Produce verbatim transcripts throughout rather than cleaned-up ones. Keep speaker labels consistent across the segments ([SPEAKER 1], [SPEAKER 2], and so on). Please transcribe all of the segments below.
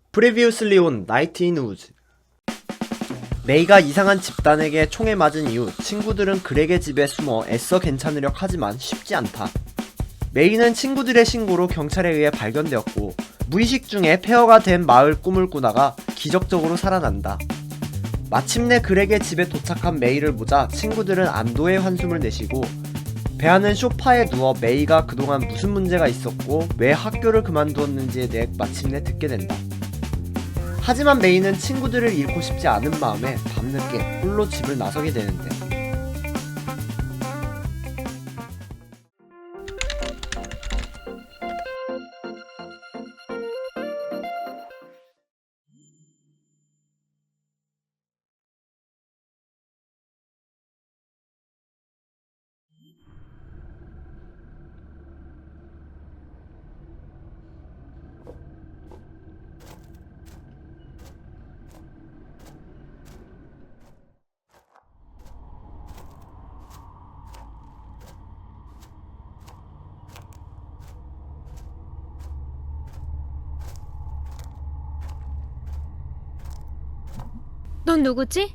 [SPEAKER 1] Previously on Night in Woods. 메이가 이상한 집단에게 총에 맞은 이후 친구들은 그렉의 집에 숨어 애써 괜찮으려 하지만 쉽지 않다. 메이는 친구들의 신고로 경찰에 의해 발견되었고 무의식 중에 폐허가 된 마을 꿈을 꾸다가 기적적으로 살아난다. 마침내 그렉의 집에 도착한 메이를 보자 친구들은 안도의 한숨을 내쉬고 배아는 소파에 누워 메이가 그동안 무슨 문제가 있었고 왜 학교를 그만두었는지에 대해 마침내 듣게 된다. 하지만 메이는 친구들을 잃고 싶지 않은 마음에 밤늦게 홀로 집을 나서게 되는데
[SPEAKER 2] 넌 누구지?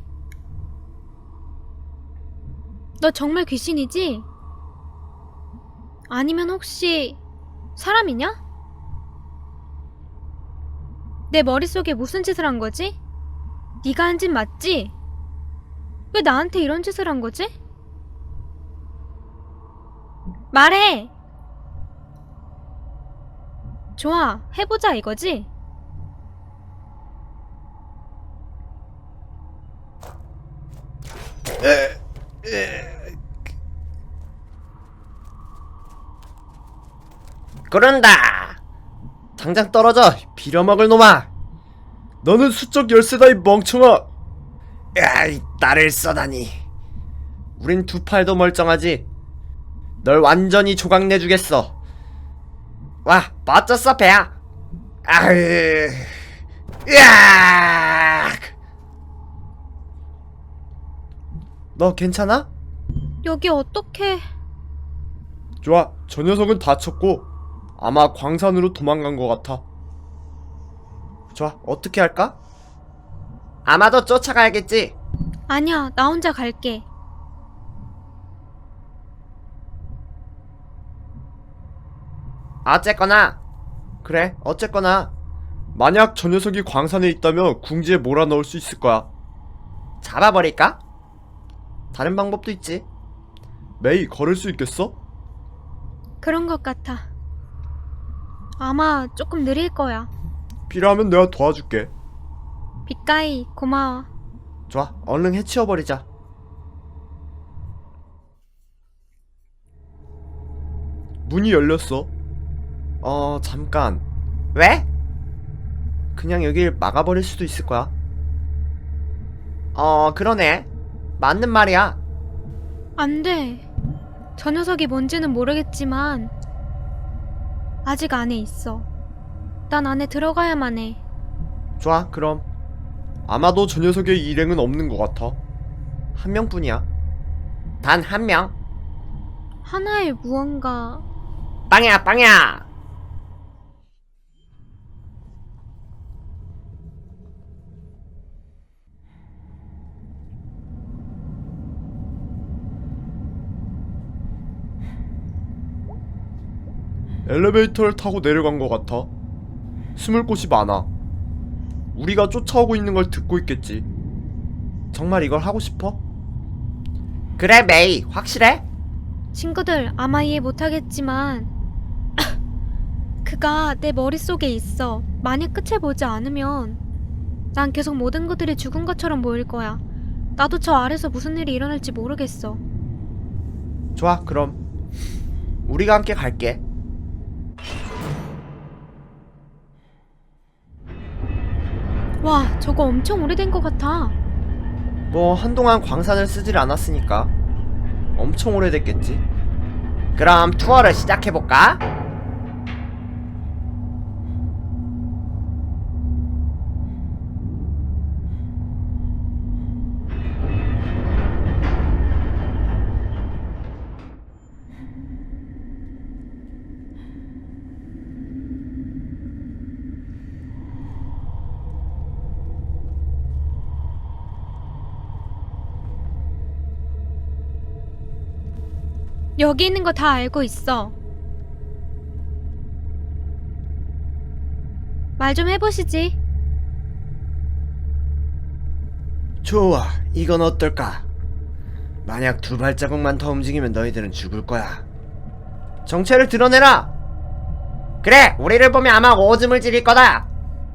[SPEAKER 2] 너 정말 귀신이지? 아니면 혹시 사람이냐? 내 머릿속에 무슨 짓을 한 거지? 네가 한 짓 맞지? 왜 나한테 이런 짓을 한 거지? 말해! 좋아, 해보자 이거지?
[SPEAKER 1] 그런다! 당장 떨어져! 빌어먹을 놈아! 너는 수적 열쇠다 이 멍청아! 야이 나를 써다니 우린 두 팔도 멀쩡하지. 널 완전히 조각내주겠어. 와 멋졌어 배야. 아으 으악! 너 괜찮아?
[SPEAKER 2] 여기 어떻게...
[SPEAKER 1] 좋아, 저 녀석은 다쳤고 아마 광산으로 도망간 것 같아. 좋아, 어떻게 할까? 아마도 쫓아가야겠지.
[SPEAKER 2] 아니야, 나 혼자 갈게.
[SPEAKER 1] 어쨌거나 그래 어쨌거나 만약 저 녀석이 광산에 있다면 궁지에 몰아넣을 수 있을 거야. 잡아버릴까? 다른 방법도 있지. 메이, 걸을 수 있겠어?
[SPEAKER 2] 그런 것 같아. 아마 조금 느릴 거야.
[SPEAKER 1] 필요하면 내가 도와줄게.
[SPEAKER 2] 빗가이, 고마워.
[SPEAKER 1] 좋아, 얼른 해치워버리자. 문이 열렸어. 어... 잠깐. 왜? 그냥 여길 막아버릴 수도 있을 거야. 어... 그러네. 맞는 말이야.
[SPEAKER 2] 안 돼. 저 녀석이 뭔지는 모르겠지만 아직 안에 있어. 난 안에 들어가야만 해.
[SPEAKER 1] 좋아, 그럼. 아마도 저 녀석의 일행은 없는 것 같아. 한 명뿐이야. 단 한 명.
[SPEAKER 2] 하나의 무언가...
[SPEAKER 1] 빵야 빵야. 엘리베이터를 타고 내려간 것 같아. 숨을 곳이 많아. 우리가 쫓아오고 있는 걸 듣고 있겠지. 정말 이걸 하고 싶어? 그래 메이, 확실해?
[SPEAKER 2] 친구들 아마 이해 못하겠지만 그가 내 머릿속에 있어. 만약 끝을 보지 않으면 난 계속 모든 것들이 죽은 것처럼 보일 거야. 나도 저 아래서 무슨 일이 일어날지 모르겠어.
[SPEAKER 1] 좋아, 그럼 우리가 함께 갈게.
[SPEAKER 2] 와, 저거 엄청 오래된 것 같아.
[SPEAKER 1] 뭐 한동안 광산을 쓰질 않았으니까 엄청 오래됐겠지. 그럼 투어를 시작해볼까?
[SPEAKER 2] 여기 있는 거 다 알고 있어. 말 좀 해보시지.
[SPEAKER 1] 좋아, 이건 어떨까? 만약 두 발자국만 더 움직이면 너희들은 죽을 거야. 정체를 드러내라! 그래! 우리를 보면 아마 오줌을 지릴 거다!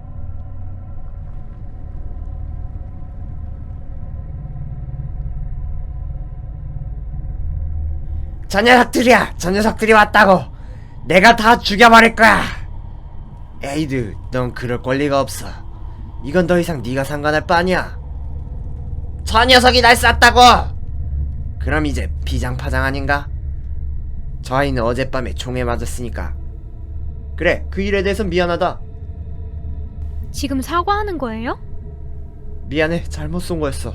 [SPEAKER 1] 저 녀석들이야! 저 녀석들이 왔다고! 내가 다 죽여버릴 거야! 에이드, 넌 그럴 권리가 없어. 이건 더 이상 네가 상관할 바 아니야. 저 녀석이 날 쐈다고! 그럼 이제 비장파장 아닌가? 저 아이는 어젯밤에 총에 맞았으니까. 그래, 그 일에 대해선 미안하다.
[SPEAKER 2] 지금 사과하는 거예요?
[SPEAKER 1] 미안해, 잘못 쏜 거였어.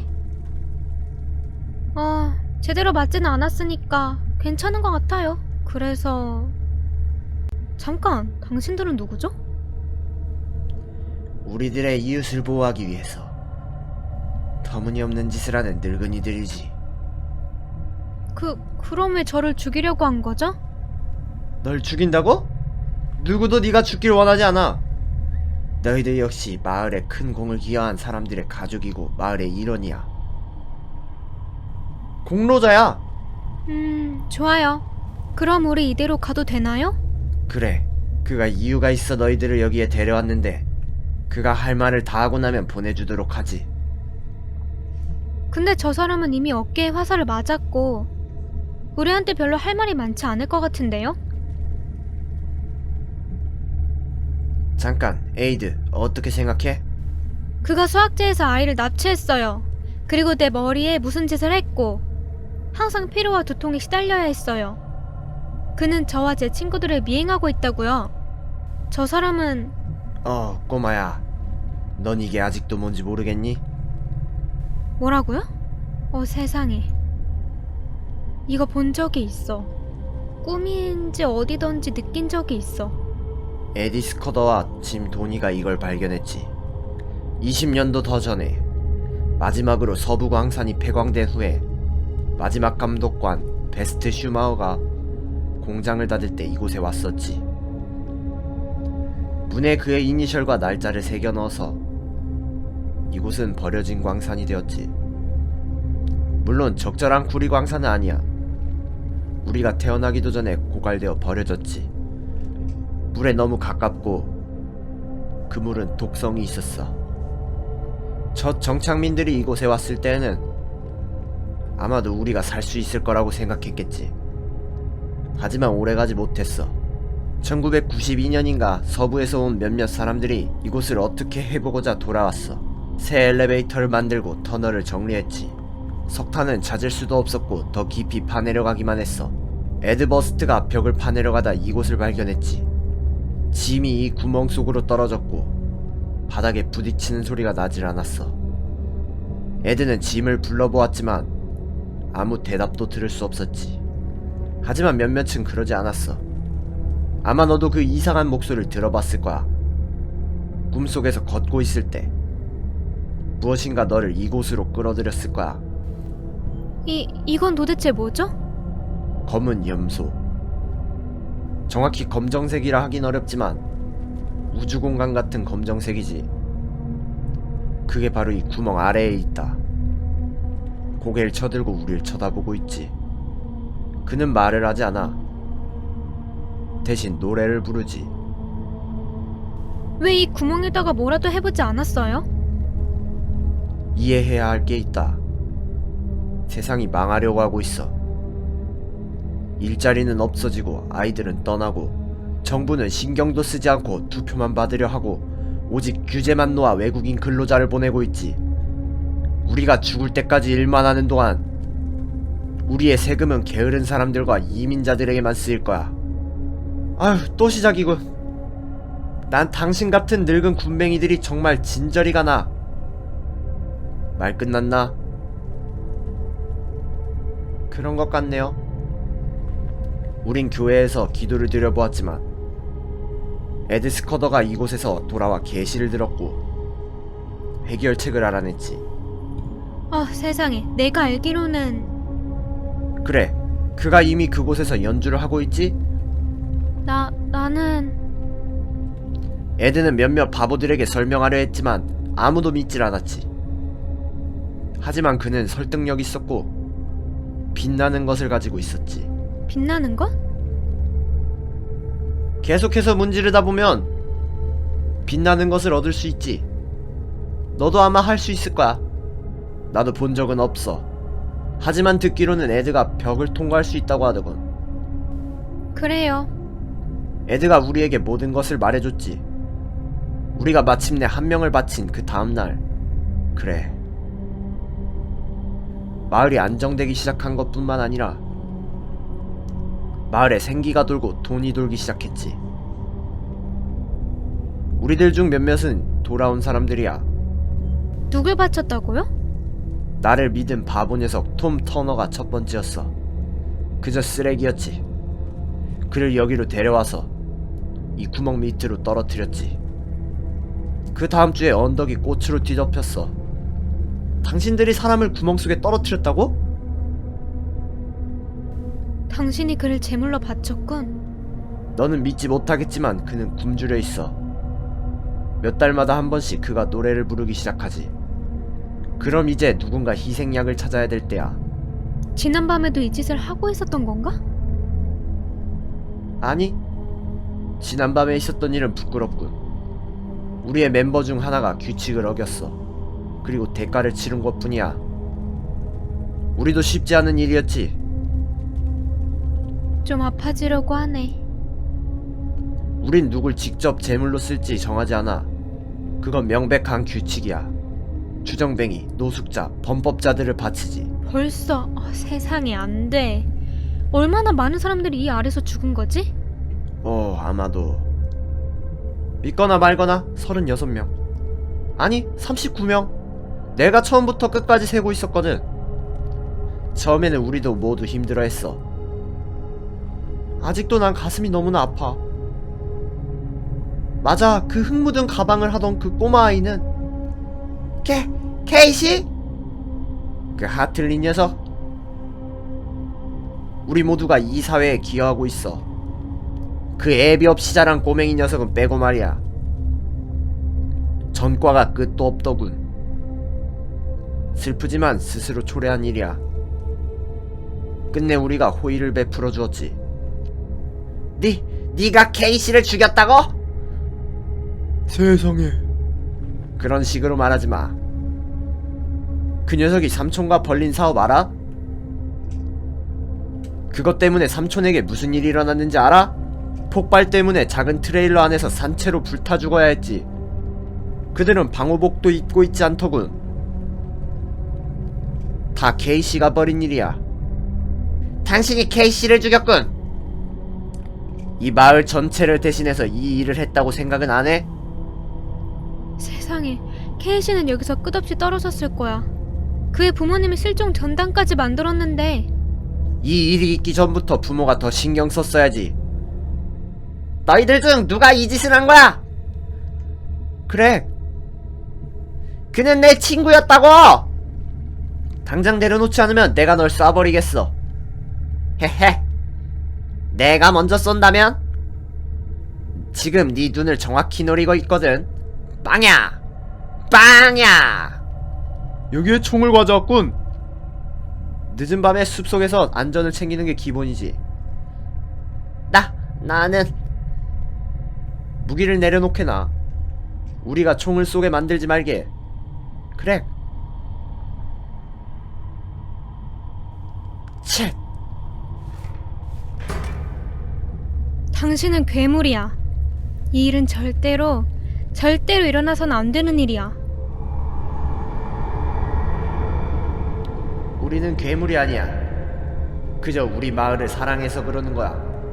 [SPEAKER 2] 아, 제대로 맞지는 않았으니까 괜찮은 것 같아요. 그래서... 잠깐, 당신들은 누구죠?
[SPEAKER 1] 우리들의 이웃을 보호하기 위해서. 터무니없는 짓을 하는 늙은이들이지.
[SPEAKER 2] 그, 그럼 왜 저를 죽이려고 한 거죠?
[SPEAKER 1] 널 죽인다고? 누구도 네가 죽길 원하지 않아. 너희들 역시 마을에 큰 공을 기여한 사람들의 가족이고 마을의 일원이야. 공로자야.
[SPEAKER 2] 음, 좋아요. 그럼 우리 이대로 가도 되나요?
[SPEAKER 1] 그래, 그가 이유가 있어 너희들을 여기에 데려왔는데 그가 할 말을 다 하고 나면 보내주도록 하지.
[SPEAKER 2] 근데 저 사람은 이미 어깨에 화살을 맞았고 우리한테 별로 할 말이 많지 않을 것 같은데요?
[SPEAKER 1] 잠깐, 에이드, 어떻게 생각해?
[SPEAKER 2] 그가 수학제에서 아이를 납치했어요. 그리고 내 머리에 무슨 짓을 했고 항상 피로와 두통에 시달려야 했어요. 그는 저와 제 친구들을 미행하고 있다고요. 저 사람은...
[SPEAKER 1] 어, 꼬마야, 넌 이게 아직도 뭔지 모르겠니?
[SPEAKER 2] 뭐라고요? 어, 세상에. 이거 본 적이 있어. 꿈인지 어디던지 느낀 적이 있어.
[SPEAKER 1] 에디 스커더와 짐 도니가 이걸 발견했지. 이십 년도 더 전에 마지막으로 서부 광산이 폐광된 후에 마지막 감독관 베스트 슈마우가 공장을 닫을 때 이곳에 왔었지. 문에 그의 이니셜과 날짜를 새겨 넣어서 이곳은 버려진 광산이 되었지. 물론 적절한 구리 광산은 아니야. 우리가 태어나기도 전에 고갈되어 버려졌지. 물에 너무 가깝고 그 물은 독성이 있었어. 첫 정착민들이 이곳에 왔을 때에는 아마도 우리가 살 수 있을 거라고 생각했겠지. 하지만 오래가지 못했어. 천구백구십이 년인가 서부에서 온 몇몇 사람들이 이곳을 어떻게 해보고자 돌아왔어. 새 엘리베이터를 만들고 터널을 정리했지. 석탄은 찾을 수도 없었고 더 깊이 파내려가기만 했어. 에드버스트가 벽을 파내려가다 이곳을 발견했지. 짐이 이 구멍 속으로 떨어졌고 바닥에 부딪히는 소리가 나질 않았어. 에드는 짐을 불러보았지만 아무 대답도 들을 수 없었지. 하지만 몇몇은 그러지 않았어. 아마 너도 그 이상한 목소리를 들어봤을 거야. 꿈속에서 걷고 있을 때 무엇인가 너를 이곳으로 끌어들였을 거야.
[SPEAKER 2] 이, 이건 도대체 뭐죠?
[SPEAKER 1] 검은 염소. 정확히 검정색이라 하긴 어렵지만 우주공간 같은 검정색이지. 그게 바로 이 구멍 아래에 있다. 고개를 쳐들고 우릴 쳐다보고 있지. 그는 말을 하지 않아. 대신 노래를 부르지.
[SPEAKER 2] 왜 이 구멍에다가 뭐라도 해보지 않았어요?
[SPEAKER 1] 이해해야 할 게 있다. 세상이 망하려고 하고 있어. 일자리는 없어지고 아이들은 떠나고 정부는 신경도 쓰지 않고 투표만 받으려 하고 오직 규제만 놓아 외국인 근로자를 보내고 있지. 우리가 죽을 때까지 일만 하는 동안 우리의 세금은 게으른 사람들과 이민자들에게만 쓰일 거야. 아휴, 또 시작이군. 난 당신 같은 늙은 군뱅이들이 정말 진저리가 나. 말 끝났나? 그런 것 같네요. 우린 교회에서 기도를 드려보았지만 에드 스커더가 이곳에서 돌아와 계시를 들었고 해결책을 알아냈지.
[SPEAKER 2] 아, 세상에. 내가 알기로는...
[SPEAKER 1] 그래, 그가 이미 그곳에서 연주를 하고 있지?
[SPEAKER 2] 나, 나는...
[SPEAKER 1] 에드는 몇몇 바보들에게 설명하려 했지만 아무도 믿질 않았지. 하지만 그는 설득력 있었고 빛나는 것을 가지고 있었지.
[SPEAKER 2] 빛나는 것?
[SPEAKER 1] 계속해서 문지르다 보면 빛나는 것을 얻을 수 있지. 너도 아마 할 수 있을 거야. 나도 본 적은 없어. 하지만 듣기로는 에드가 벽을 통과할 수 있다고 하더군.
[SPEAKER 2] 그래요.
[SPEAKER 1] 에드가 우리에게 모든 것을 말해줬지. 우리가 마침내 한 명을 바친 그 다음날. 그래. 마을이 안정되기 시작한 것뿐만 아니라 마을에 생기가 돌고 돈이 돌기 시작했지. 우리들 중 몇몇은 돌아온 사람들이야.
[SPEAKER 2] 누굴 바쳤다고요?
[SPEAKER 1] 나를 믿은 바보 녀석 톰 터너가 첫 번째였어. 그저 쓰레기였지. 그를 여기로 데려와서 이 구멍 밑으로 떨어뜨렸지. 그 다음 주에 언덕이 꽃으로 뒤덮였어. 당신들이 사람을 구멍 속에 떨어뜨렸다고?
[SPEAKER 2] 당신이 그를 제물로 바쳤군.
[SPEAKER 1] 너는 믿지 못하겠지만 그는 굶주려 있어. 몇 달마다 한 번씩 그가 노래를 부르기 시작하지. 그럼 이제 누군가 희생약을 찾아야 될 때야.
[SPEAKER 2] 지난밤에도 이 짓을 하고 있었던 건가?
[SPEAKER 1] 아니, 지난밤에 있었던 일은 부끄럽군. 우리의 멤버 중 하나가 규칙을 어겼어. 그리고 대가를 치른 것뿐이야. 우리도 쉽지 않은 일이었지.
[SPEAKER 2] 좀 아파지려고 하네.
[SPEAKER 1] 우린 누굴 직접 제물로 쓸지 정하지 않아. 그건 명백한 규칙이야. 주정뱅이, 노숙자, 범법자들을 바치지.
[SPEAKER 2] 벌써 어, 세상에 안 돼. 얼마나 많은 사람들이 이 아래서 죽은 거지?
[SPEAKER 1] 어, 아마도 믿거나 말거나 서른여섯 명. 아니, 삼십구 명. 내가 처음부터 끝까지 세고 있었거든. 처음에는 우리도 모두 힘들어했어. 아직도 난 가슴이 너무나 아파. 맞아, 그 흙 묻은 가방을 하던 그 꼬마 아이는 케, 케이시? 그 하틀리 녀석. 우리 모두가 이 사회에 기여하고 있어. 그 애비 없이 자란 꼬맹이 녀석은 빼고 말이야. 전과가 끝도 없더군. 슬프지만 스스로 초래한 일이야. 끝내 우리가 호의를 베풀어 주었지. 니, 니가 케이시를 죽였다고? 세상에. 그런 식으로 말하지 마. 그 녀석이 삼촌과 벌린 사업 알아? 그것 때문에 삼촌에게 무슨 일이 일어났는지 알아? 폭발 때문에 작은 트레일러 안에서 산채로 불타 죽어야 했지. 그들은 방호복도 입고 있지 않더군. 다 케이시가 벌인 일이야. 당신이 케이시를 죽였군. 이 마을 전체를 대신해서 이 일을 했다고 생각은 안 해?
[SPEAKER 2] 세상에, 케이시는 여기서 끝없이 떨어졌을 거야. 그의 부모님이 실종 전단까지 만들었는데.
[SPEAKER 1] 이 일이 있기 전부터 부모가 더 신경 썼어야지. 너희들 중 누가 이 짓을 한 거야? 그래. 그는 내 친구였다고! 당장 내려놓지 않으면 내가 널 쏴버리겠어. 헤헤. 내가 먼저 쏜다면? 지금 네 눈을 정확히 노리고 있거든. 빵야! 빵야! 여기에 총을 가져왔군. 늦은 밤에 숲속에서 안전을 챙기는 게 기본이지. 나, 나는 무기를 내려놓게나. 우리가 총을 쏘게 만들지 말게. 그래. 쳇.
[SPEAKER 2] 당신은 괴물이야. 이 일은 절대로, 절대로 일어나서는 안 되는 일이야.
[SPEAKER 1] 우리는 괴물이 아니야. 그저 우리 마을을 사랑해서 그러는 거야.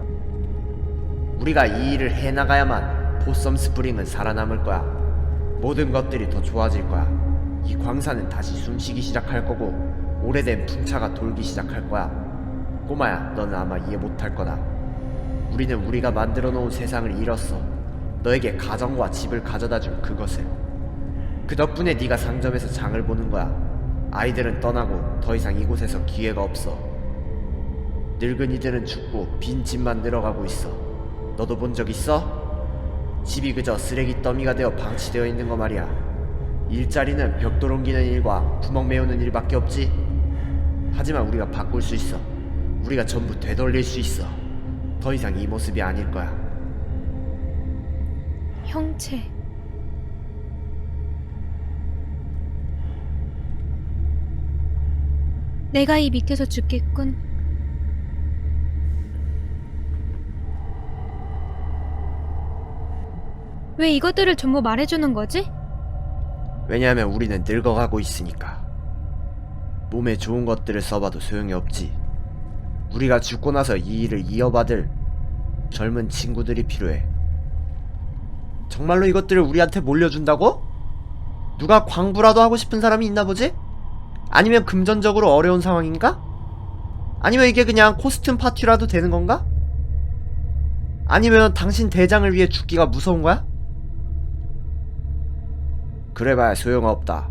[SPEAKER 1] 우리가 이 일을 해나가야만 보썸 스프링은 살아남을 거야. 모든 것들이 더 좋아질 거야. 이 광산은 다시 숨쉬기 시작할 거고 오래된 풍차가 돌기 시작할 거야. 꼬마야, 너는 아마 이해 못할 거다. 우리는 우리가 만들어 놓은 세상을 잃었어. 너에게 가정과 집을 가져다 줄 그것을. 그 덕분에 네가 상점에서 장을 보는 거야. 아이들은 떠나고 더 이상 이곳에서 기회가 없어. 늙은이들은 죽고 빈 집만 늘어가고 있어. 너도 본 적 있어? 집이 그저 쓰레기 더미가 되어 방치되어 있는 거 말이야. 일자리는 벽돌 옮기는 일과 구멍 메우는 일밖에 없지. 하지만 우리가 바꿀 수 있어. 우리가 전부 되돌릴 수 있어. 더 이상 이 모습이 아닐 거야.
[SPEAKER 2] 형체. 내가 이 밑에서 죽겠군. 왜 이것들을 전부 말해주는 거지?
[SPEAKER 1] 왜냐하면 우리는 늙어가고 있으니까. 몸에 좋은 것들을 써봐도 소용이 없지. 우리가 죽고 나서 이 일을 이어받을 젊은 친구들이 필요해. 정말로 이것들을 우리한테 몰려준다고? 누가 광부라도 하고 싶은 사람이 있나 보지? 아니면 금전적으로 어려운 상황인가? 아니면 이게 그냥 코스튬 파티라도 되는 건가? 아니면 당신 대장을 위해 죽기가 무서운 거야? 그래봐야 소용없다.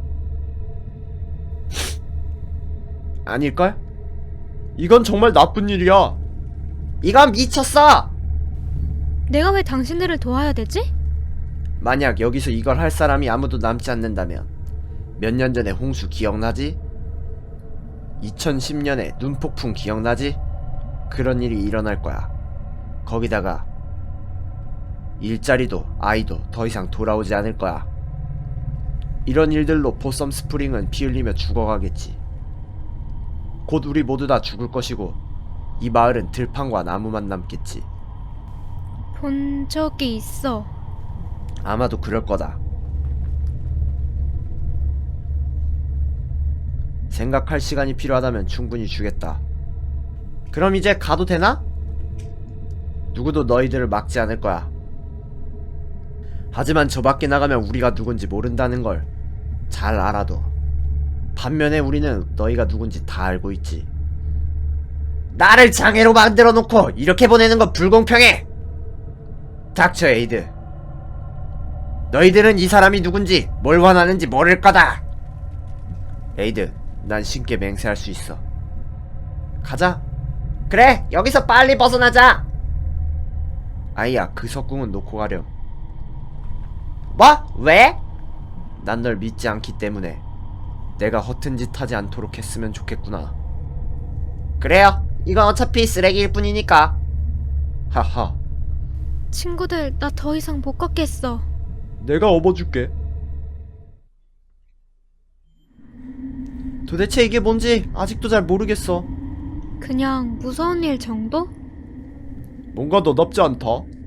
[SPEAKER 1] 아닐걸? 이건 정말 나쁜 일이야. 이건 미쳤어!
[SPEAKER 2] 내가 왜 당신들을 도와야 되지?
[SPEAKER 1] 만약 여기서 이걸 할 사람이 아무도 남지 않는다면 몇 년 전에 홍수 기억나지? 이천십 년에 눈폭풍 기억나지? 그런 일이 일어날 거야. 거기다가 일자리도 아이도 더 이상 돌아오지 않을 거야. 이런 일들로 보썸 스프링은 피 흘리며 죽어가겠지. 곧 우리 모두 다 죽을 것이고 이 마을은 들판과 나무만 남겠지.
[SPEAKER 2] 본 적이 있어.
[SPEAKER 1] 아마도 그럴 거다. 생각할 시간이 필요하다면 충분히 주겠다. 그럼 이제 가도 되나? 누구도 너희들을 막지 않을 거야. 하지만 저 밖에 나가면 우리가 누군지 모른다는 걸 잘 알아둬. 반면에 우리는 너희가 누군지 다 알고 있지. 나를 장애로 만들어 놓고 이렇게 보내는 건 불공평해! 닥쳐, 에이드. 너희들은 이 사람이 누군지 뭘 원하는지 모를 거다. 에이드, 난 신께 맹세할 수 있어. 가자. 그래, 여기서 빨리 벗어나자. 아이야, 그 석궁은 놓고 가렴. 뭐? 왜? 난 널 믿지 않기 때문에. 내가 허튼 짓 하지 않도록 했으면 좋겠구나. 그래요. 이건 어차피 쓰레기일 뿐이니까. 하하.
[SPEAKER 2] 친구들, 나 더 이상 못 걷겠어.
[SPEAKER 1] 내가 업어줄게. 도대체 이게 뭔지 아직도 잘 모르겠어.
[SPEAKER 2] 그냥 무서운 일 정도?
[SPEAKER 1] 뭔가 너답지 않다.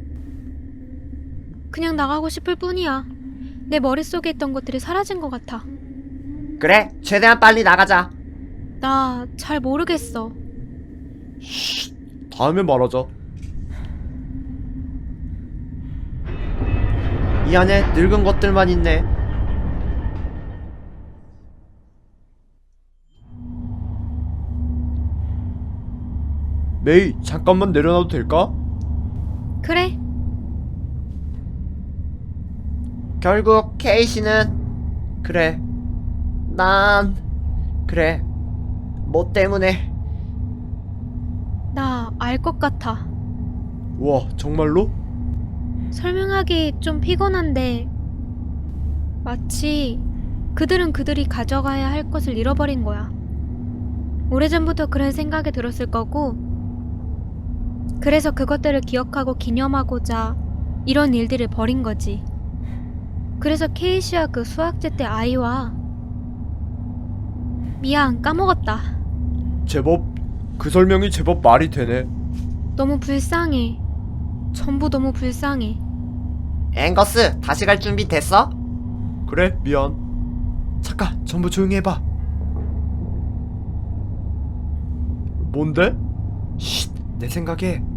[SPEAKER 2] 그냥 나가고 싶을 뿐이야. 내 머릿속에 있던 것들이 사라진 것 같아.
[SPEAKER 1] 그래, 최대한 빨리 나가자.
[SPEAKER 2] 나 잘 모르겠어.
[SPEAKER 1] 쉿, 다음에 말하자. 이 안에 늙은 것들만 있네. 메이, 잠깐만 내려놔도 될까?
[SPEAKER 2] 그래.
[SPEAKER 1] 결국 케이시는 그래. 난 그래. 뭐 때문에?
[SPEAKER 2] 나 알 것 같아.
[SPEAKER 1] 우와, 정말로?
[SPEAKER 2] 설명하기 좀 피곤한데 마치 그들은 그들이 가져가야 할 것을 잃어버린 거야. 오래전부터 그런 생각이 들었을 거고, 그래서 그것들을 기억하고 기념하고자 이런 일들을 벌인 거지. 그래서 케이시와 그 수학제 때 아이와 미안, 까먹었다.
[SPEAKER 1] 제법 그 설명이 제법 말이 되네.
[SPEAKER 2] 너무 불쌍해. 전부 너무 불쌍해.
[SPEAKER 1] 앵거스, 다시 갈 준비 됐어? 그래, 미안. 잠깐, 전부 조용히 해봐. 뭔데? 쉿, 내 생각에